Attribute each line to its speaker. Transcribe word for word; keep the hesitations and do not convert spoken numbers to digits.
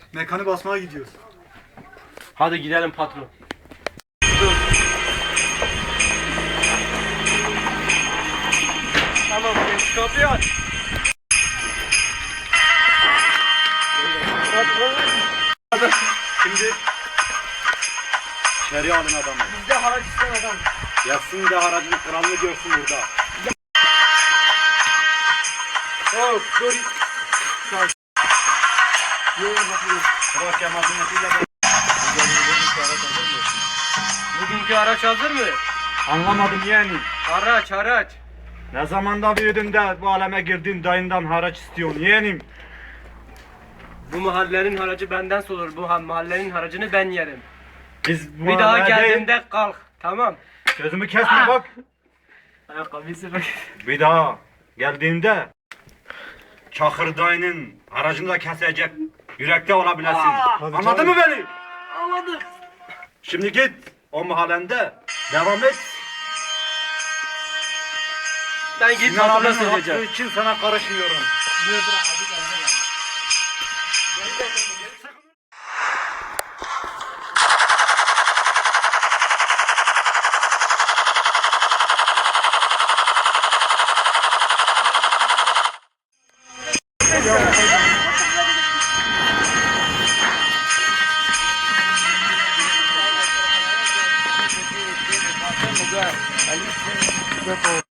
Speaker 1: Mekanı basmaya gidiyoruz.
Speaker 2: Hadi gidelim patron.
Speaker 1: Tamam, geç kapıyı aç. Şimdi içeri alın adamı.
Speaker 2: Bizde haraç isteyen adam.
Speaker 1: Yatsın da haracın kralını görsün burada.
Speaker 2: Hop dur. Yok bakayım.
Speaker 1: Bırak yamasınetiyle ben...
Speaker 2: Bugünkü araç hazır mı?
Speaker 1: Anlamadım yeğenim.
Speaker 2: Haraç haraç.
Speaker 1: Ne zamanda büyüdün de bu aleme girdin dayından haraç istiyorsun yeğenim.
Speaker 2: Bu mahallenin haracı benden sorulur. Bu ha- mahallenin haracını ben yerim.
Speaker 1: Biz bu
Speaker 2: Bir daha
Speaker 1: mahallede-
Speaker 2: geldiğimde kalk. Tamam.
Speaker 1: Sözümü kesme bak.
Speaker 2: Ayakkabısı bak.
Speaker 1: Bir daha geldiğinde Çakır dayının aracını da kesecek yürekte olabilesin. Anladın mı beni?
Speaker 2: Anladım.
Speaker 1: Şimdi git o mahallende devam et.
Speaker 2: Ben git
Speaker 1: Sinan
Speaker 2: patrona
Speaker 1: abinin hakkı
Speaker 2: söyleyeceğim.
Speaker 1: için sana karışmıyorum.
Speaker 2: Dur dur abi.
Speaker 1: Go.